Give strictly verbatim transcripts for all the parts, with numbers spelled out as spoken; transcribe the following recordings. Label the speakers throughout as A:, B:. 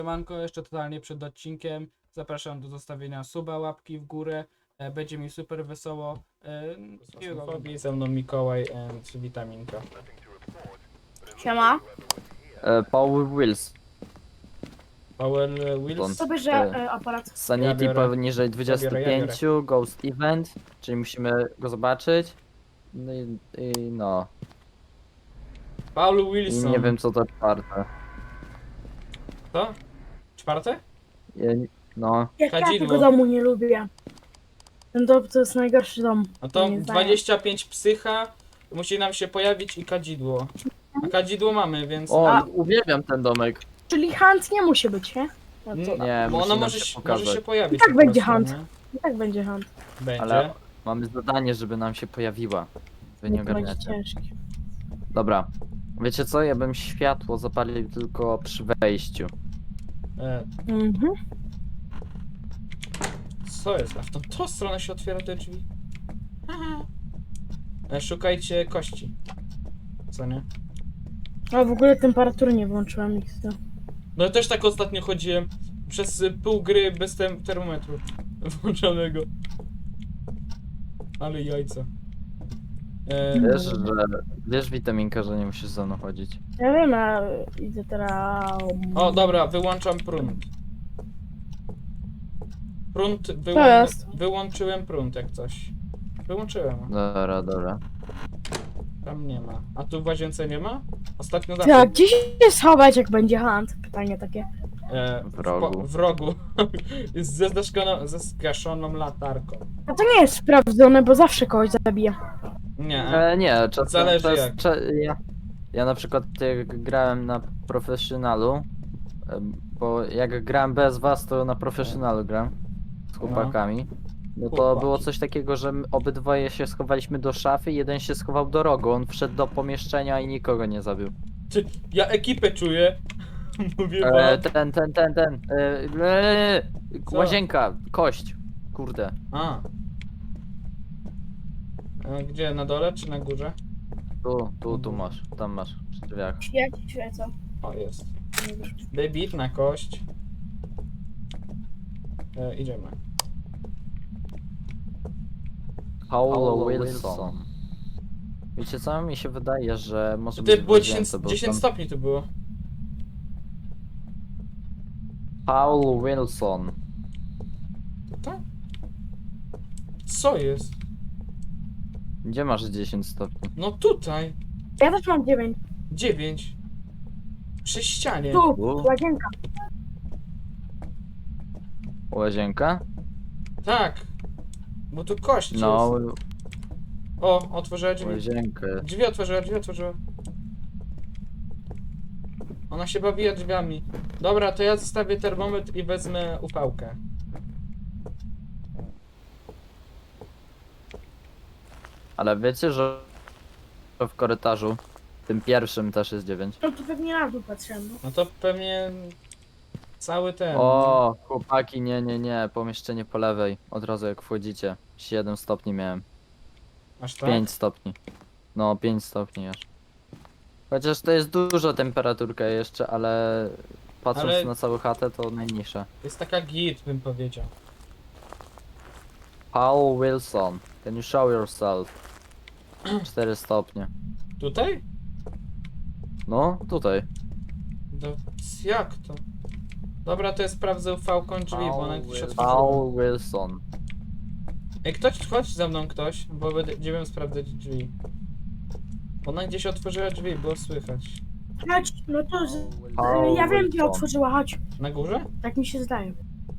A: Siemanko, jeszcze totalnie przed odcinkiem. Zapraszam do zostawienia suba, łapki w górę. E, Będzie mi super wesoło. E, Ze mną Mikołaj and Witaminka.
B: Siema.
C: E, Paul Wills.
A: Power Wheels.
B: Co bierze
C: E,
B: e, aparat?
C: Sanity
A: Ja biorę.
C: poniżej dwudziestu pięciu, Ghost Event, czyli musimy go zobaczyć. No i, i no.
A: Paul
C: I
A: Wilson.
C: nie wiem co to czwarte.
A: Co? Czwarte?
C: Ja, no.
B: Jak ja
A: Kadzidło.
B: tego domu nie lubię. Ten dom to jest najgorszy dom.
A: No to
B: moim zdaniem.
A: dwadzieścia pięć psycha. Musi nam się pojawić i kadzidło. A kadzidło mamy, więc...
C: O,
B: A-
C: uwielbiam ten domek.
B: Czyli Hunt nie musi być, nie? No to
A: Mm,
C: Nie,
A: bo
C: musi
A: ono
C: nam
A: może
C: się
A: się,
C: pokazać.
A: może się pojawić.
B: I tak
A: po
B: będzie
A: prostu,
B: hunt.
A: nie?
B: i tak będzie Hunt.
A: Będzie.
C: Ale mamy zadanie, żeby nam się pojawiła. Wy nie
B: Nie to będzie
C: ogarniacie.
B: ciężkie.
C: Dobra. Wiecie co? Ja bym światło zapalił tylko przy wejściu.
A: E,
B: Mhm.
A: Co jest? A w tą, tą stronę się otwiera te drzwi. Aha. E, Szukajcie kości. Co nie?
B: A w ogóle temperatury nie włączyłam ich.
A: No ja też tak ostatnio chodziłem. Przez y, pół gry bez tem termometru włączonego. Ale jajca. E,
C: Wiesz, że... Wiesz, Witaminka, że nie musisz ze mną chodzić.
B: Ja wiem, a idę teraz...
A: o, dobra, wyłączam prąd. Prąd wyłą
B: To jest.
A: wyłączyłem prąd jak coś. Wyłączyłem.
C: Dobra, dobra.
A: Tam nie ma. A tu w łazience nie ma? Ostatnio
B: Ty, a
A: zawsze.
B: gdzie się schować, jak będzie Hunt? Pytanie takie.
A: E,
C: W rogu.
A: Po, w rogu. Jest ze zgaszoną, ze zgaszoną latarką.
B: A to nie jest sprawdzone, bo zawsze kogoś zabije.
A: Nie.
C: E, nie, czasem
A: Zależy
C: czas,
A: jak.
C: Cza, ja, ja na przykład jak grałem na profesjonalu, em, bo jak grałem bez was, to na profesjonalu gram z chłopakami. No to
A: Chłopaki.
C: było coś takiego, że my obydwoje się schowaliśmy do szafy, jeden się schował do rogu, on wszedł do pomieszczenia i nikogo nie zabił.
A: Ty, ja ekipę czuję. Mówię
C: E,
A: wam.
C: ten, ten, ten, ten, e, e,
A: Co?
C: łazienka, kość, kurde.
A: A. E, Gdzie? Na dole czy na górze?
C: Tu, tu, tu masz, tam masz, przy drzwiach.
B: Jak świecą.
A: O, jest. Debit na kość. E, idziemy.
C: Paulo Wilson. Wiecie co? Mi się wydaje, że może
A: To
C: być
A: ty było
C: w łazience,
A: dziesięć,
C: bo
A: dziesięć
C: tam-
A: stopni tu było.
C: Paul Wilson.
A: Tutaj? Co jest?
C: Gdzie masz dziesięć stopni?
A: No tutaj.
B: Ja też mam dziewięć.
A: dziewięć. Przy ścianie.
B: Tu,
C: U.
B: łazienka.
C: Łazienka?
A: Tak. Bo tu kość
C: No,
A: jest. O, otworzyła drzwi.
C: łazienkę.
A: Drzwi otworzyła, drzwi otworzyła. Ona się bawiła drzwiami. Dobra, to ja zostawię termometr i wezmę upałkę.
C: Ale wiecie, że w korytarzu, tym pierwszym też jest dziewięć.
B: No to pewnie na dół patrzyłem. No.
A: No to pewnie cały ten.
C: O, chłopaki, nie, nie, nie, pomieszczenie po lewej, od razu jak wchodzicie. siedem stopni miałem,
A: Aż tak?
C: pięć stopni. No, pięć stopni aż. Chociaż to jest duża temperaturka jeszcze, ale patrząc
A: Ale-
C: na całą chatę to najniższa.
A: Jest taka git, bym powiedział.
C: Paul Wilson, can you show yourself? cztery stopnie.
A: Tutaj?
C: No, tutaj.
A: No, jak to? Dobra, to ja sprawdzę ufałką drzwi, bo ona gdzieś otworzyła.
C: Paul Wilson.
A: Ej, ktoś, chodź za mną ktoś, bo będę- będziemy sprawdzać drzwi. Ona gdzieś otworzyła drzwi, było słychać.
B: Chodź, no to z...
C: Paul
B: ja wiem, gdzie
C: Wilson.
B: otworzyła, chodź.
A: Na górze?
B: Tak mi się zdaje.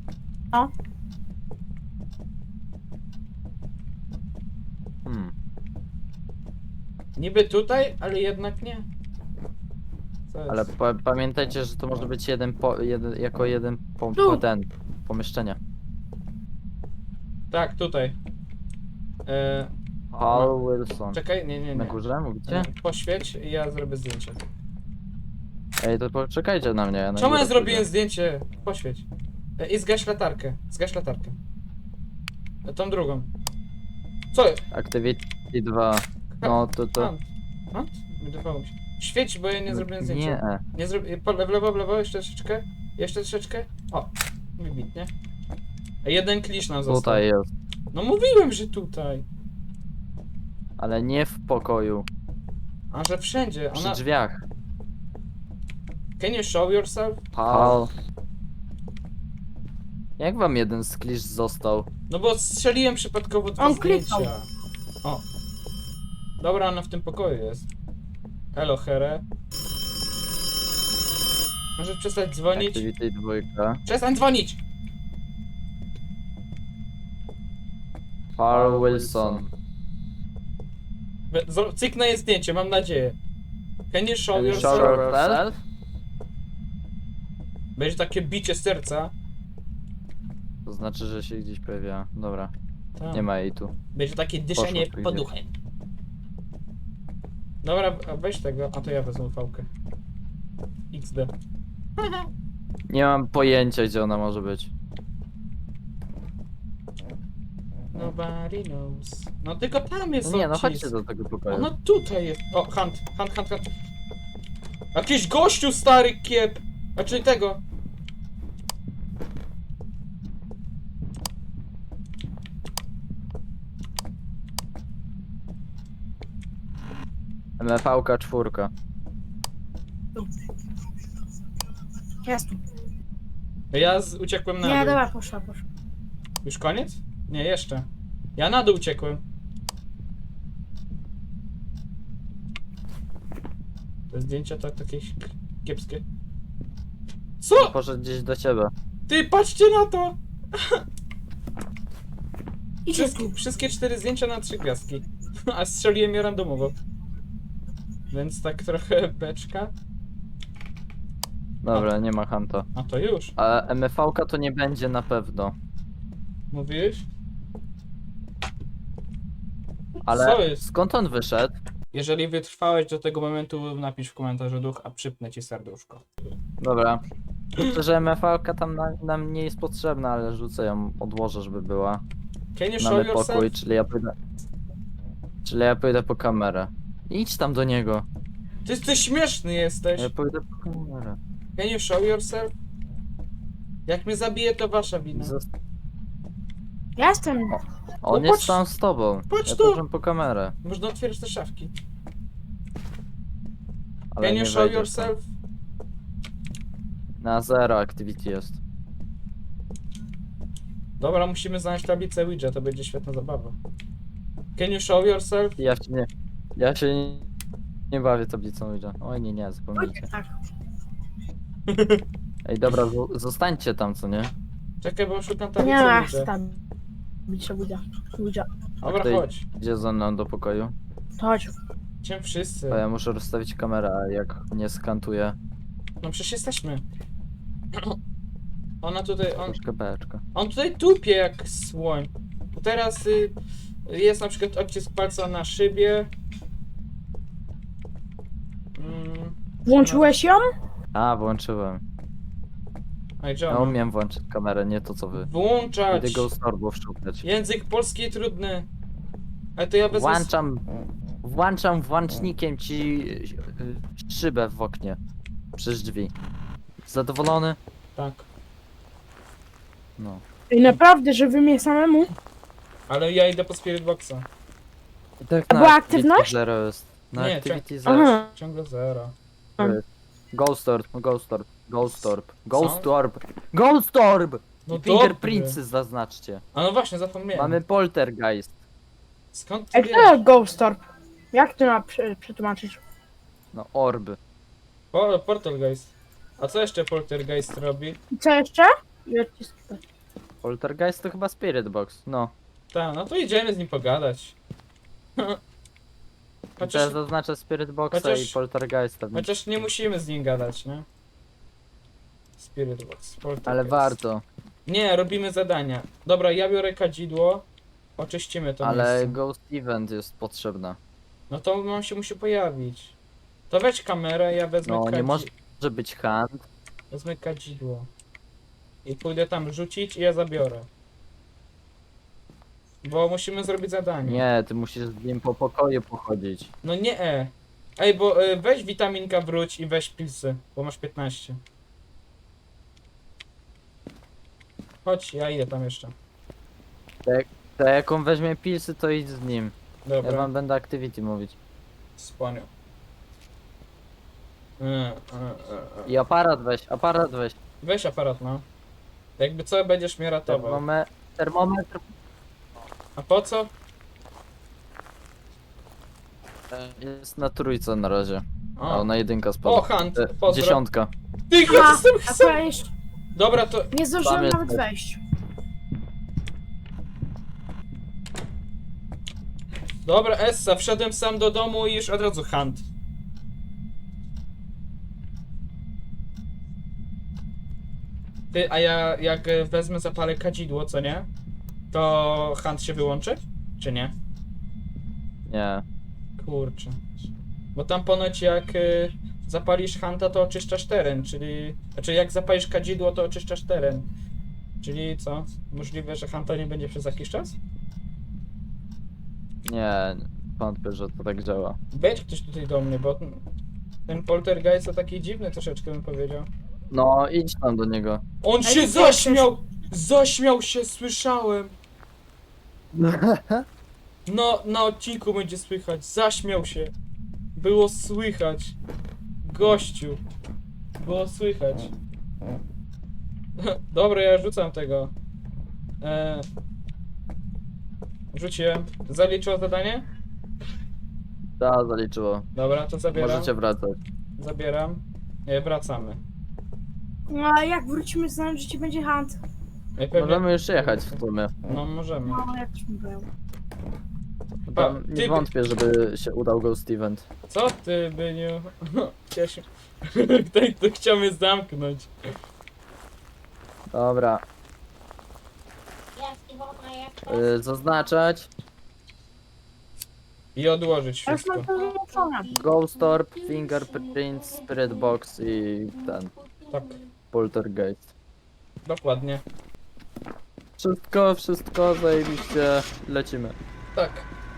C: Hmm.
A: Niby tutaj, ale jednak nie. Co jest?
C: Ale pa pamiętajcie, że to może być jeden po, jeden, jako jeden po,
B: Tu.
C: po ten pomieszczenie.
A: Tak, tutaj. E,
C: Paul Wilson.
A: czekaj, nie, nie,
C: Na
A: nie.
C: górze mówicie?
A: E, Poświeć i ja zrobię zdjęcie.
C: Ej, to poczekajcie na mnie. Ja na
A: Czemu ja
C: górę
A: zrobiłem
C: pójdę.
A: zdjęcie? Poświeć. E, I zgaś latarkę. Zgaś latarkę. E, tą drugą. Co jest?
C: Activity dwa. No to to.
A: Hunt. Hunt? Wydawało mi się. Świeć, bo ja nie zrobiłem zdjęcia.
C: Nie.
A: Nie zrobię. Po, w lewo, w lewo, jeszcze troszeczkę. Jeszcze troszeczkę. O, wybitnie. A jeden klisz nam został.
C: Tutaj jest.
A: No mówiłem, że tutaj.
C: Ale nie w pokoju.
A: A że wszędzie.
C: Przy
A: Ona...
C: drzwiach.
A: Can you show yourself?
C: Hal. Jak wam jeden sklisz został?
A: No bo strzeliłem przypadkowo dwa
B: On
A: zdjęcia.
B: kliknął.
A: O. Dobra, ona w tym pokoju jest. Hello, Here. Możesz przestać dzwonić?
C: Activity dwójka.
A: Przestań dzwonić!
C: Hal Wilson.
A: Be- zo- Cyknę jej zdjęcie, mam nadzieję. Can you show
C: Can you
A: yourself?
C: show yourself?
A: Będzie takie bicie serca.
C: To znaczy, że się gdzieś pojawia. Dobra,
A: Tak.
C: nie ma jej tu.
A: Będzie takie dyszenie
C: Poszło,
A: poduchem. Dobra, a weź tego, a to ja wezmę fałkę. iks de.
C: Nie mam pojęcia, gdzie ona może być.
A: Nobody knows. No tylko tam jest
C: No nie, no
A: odcisk.
C: chodźcie do tego pokoju.
A: Ona tutaj jest. O, hunt, hunt, hunt, hunt. Jakiś gościu stary kiep. A czyli tego.
C: M V K czwórka.
B: Jest tu.
A: Ja z, uciekłem na
B: Nie,
A: dół.
B: dobra, poszła, poszła.
A: Już koniec? Nie, jeszcze. Ja na dół uciekłem. Te zdjęcia to takie kiepskie. Co?
C: Poszedł gdzieś do ciebie.
A: Ty, patrzcie na to!
B: Idzie
A: Wszystkie,
B: tu.
A: wszystkie cztery zdjęcia na trzy gwiazdki. A strzeliłem je randomowo. Więc tak trochę beczka.
C: Dobra, nie ma Hanta.
A: A to już.
C: A M V K to nie będzie na pewno.
A: Mówiłeś?
C: Ale
A: Co jest?
C: skąd on wyszedł?
A: Jeżeli wytrwałeś do tego momentu, napisz w komentarzu duch, a przypnę ci serduszko.
C: Dobra. Myślę, że M V K tam na, nam nie jest potrzebna, ale rzucę ją, odłożę, żeby była.
A: Can you show
C: Mamy
A: yourself?
C: pokój, czyli ja pójdę. Czyli ja pójdę po kamerę. Idź tam do niego.
A: Ty, ty śmieszny jesteś.
C: Ja pójdę po kamerę.
A: Can you show yourself? Jak mnie zabije, to wasza wina.
C: Zos-
B: Ja jestem.
C: On
A: No
C: jest
A: patrz-
C: tam z tobą.
A: patrz
C: Ja
A: tu.
C: poszedłem po kamerę.
A: Można otwierać te szafki.
C: Ale
A: Can
C: nie
A: you show
C: wejdziesz tam.
A: yourself?
C: Na zero activity jest.
A: Dobra, musimy znaleźć tablicę Ouija, to będzie świetna zabawa. Can you show yourself?
C: Ja się nie. Ja się nie, nie bawię tablicą Ouija. Oj nie, nie, zapomnijcie.
B: Tak.
C: Ej dobra, zo- zostańcie tam, co nie?
A: Czekaj, bo szukam
B: Nie
A: tablicy
B: ma,
A: Ouija.
B: tam. Bicia, budzia. Budzia.
A: Dobra,
C: Tutaj-
A: chodź.
C: Idzie ze mną do pokoju.
B: To chodź.
A: Cię wszyscy.
C: To ja muszę rozstawić kamerę, a jak nie skantuję,
A: No przecież jesteśmy. Ona tutaj, on,
C: troszkę beczka.
A: on tutaj tupie jak słoń. Bo teraz y, jest na przykład odcisk palca na szybie. Mm,
B: Włączyłeś ją?
C: A, włączyłem.
A: a i
C: Ja
A: John.
C: umiem włączyć kamerę, nie to co wy.
A: Włączać!
C: Idę Ghost Orbów szukać.
A: Język polski trudny. Ale to ja wezmę...
C: Włączam, włączam włącznikiem ci y, szybę w oknie. Przez drzwi. Zadowolony?
A: Tak.
C: No.
B: I naprawdę, że wy mnie samemu?
A: Ale ja idę po Spirit Boxa.
C: I tak
B: A
C: na
B: była
C: Activity
B: aktywność?
C: Zero jest. Na
A: Nie,
C: Activity Zero.
B: Aha.
A: Ciągle zero.
C: Ghost Orb, Ghost Orb, Ghost Orb, Ghost
A: Co?
C: Orb, Ghost Orb!
A: No
C: I
A: dobry.
C: fingerprintsy zaznaczcie.
A: A no właśnie, zapomniałem.
C: Mamy poltergeist.
A: Skąd ty
B: Ej,
A: wiesz?
B: kto jest Ghost Orb? Jak to ma prze- przetłumaczyć?
C: No orby.
A: Po, Portalgeist. A co jeszcze Poltergeist robi?
B: I co jeszcze? I odcisk.
C: Poltergeist to chyba Spirit Box. No.
A: Tak, no to idziemy z nim pogadać.
C: Chociaż...
A: Chociaż,
C: Ja zaznaczę Spirit Boxa
A: chociaż-
C: i Poltergeista.
A: chociaż nie musimy z nim gadać, nie? Spirit Box, Poltergeist.
C: Ale warto.
A: Nie, robimy zadania. Dobra, ja biorę kadzidło. Oczyścimy to
C: Ale
A: miejsce.
C: Ghost Event jest potrzebna.
A: No to on się musi pojawić. To weź kamerę, ja wezmę
C: No nie
A: kadzi-
C: może być hand.
A: Wezmę kadzidło. I pójdę tam rzucić i ja zabiorę. Bo musimy zrobić zadanie.
C: Nie, ty musisz z nim po pokoju pochodzić.
A: No nie e. Ej, bo e, weź witaminka wróć i weź pilsy, bo masz piętnaście. Chodź, ja idę tam jeszcze.
C: To jak on weźmie pilsy, to idź z nim. Ja
A: Dobra,
C: wam będę activity mówić.
A: spłonił. E, e, e, e.
C: I aparat weź, aparat weź.
A: Weź aparat, no. Jakby co, będziesz mnie ratował.
C: Termome termometr.
A: A po co?
C: Jest na trójce na razie.
A: O,
C: O, na jedynka
A: o
C: spadła.
A: Hunt,
C: E,
A: pozdro.
C: Dziesiątka.
A: Ty,
B: Ha,
A: ja jestem
B: a
A: sam.
B: to ja jeszcze
A: Dobra, to...
B: nie zdążyłem
C: Tam jest
B: nawet
C: też.
B: wejść.
A: Dobra, Essa, wszedłem sam do domu i już od razu Hunt. Ty, a ja jak e, wezmę, zapalę kadzidło, co nie? To Hunt się wyłączy? Czy nie?
C: Nie.
A: Kurczę. Bo tam ponoć jak y, zapalisz Hanta, to oczyszczasz teren, czyli... Znaczy jak zapalisz kadzidło, to oczyszczasz teren. Czyli co? Możliwe, że Hanta nie będzie przez jakiś czas?
C: Nie. Wątpię, że to tak działa.
A: Wejdź ktoś tutaj do mnie, bo ten- ten poltergeist to taki dziwny troszeczkę bym powiedział.
C: No, idź tam do niego.
A: On
B: Ej,
A: się
B: ty
A: zaśmiał! Zaśmiał się, słyszałem! No, na odcinku będzie słychać. Zaśmiał się. Było słychać. Gościu. Było słychać. Dobra, ja rzucam tego. E... Rzuciłem. Zaliczyło zadanie?
C: Da, zaliczyło.
A: Dobra, to zabieram.
C: Możecie wracać.
A: Zabieram. E, wracamy.
B: No a jak wrócimy, znam, że ci będzie hunt.
A: E, pewnie...
C: Możemy już jechać w sumie.
A: No, możemy.
B: No, jak ci mówię.
C: Tam
A: ty-
C: nie wątpię, żeby się udał Ghost Event.
A: Co ty, Byniu? Chciałeś... Ktoś tu chciał mnie zamknąć.
C: Dobra. Y, zaznaczać.
A: I odłożyć
B: Ja już
A: wszystko.
B: mam to wyłączone.
C: Ghost Orb, Fingerprint, Spirit Box i ten.
A: Tak,
C: Poltergeist.
A: dokładnie.
C: Wszystko, wszystko, zajebiście. Lecimy.
A: Tak.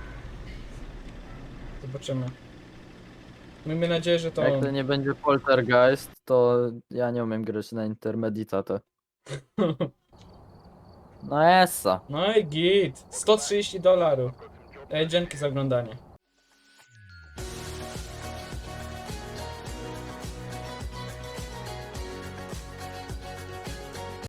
A: Zobaczymy. Miejmy nadzieję, że to
C: Jak
A: on.
C: to nie będzie Poltergeist, to ja nie umiem grać na intermeditatę. No essa.
A: No i git. sto trzydzieści dolarów. Ej, dzięki za oglądanie.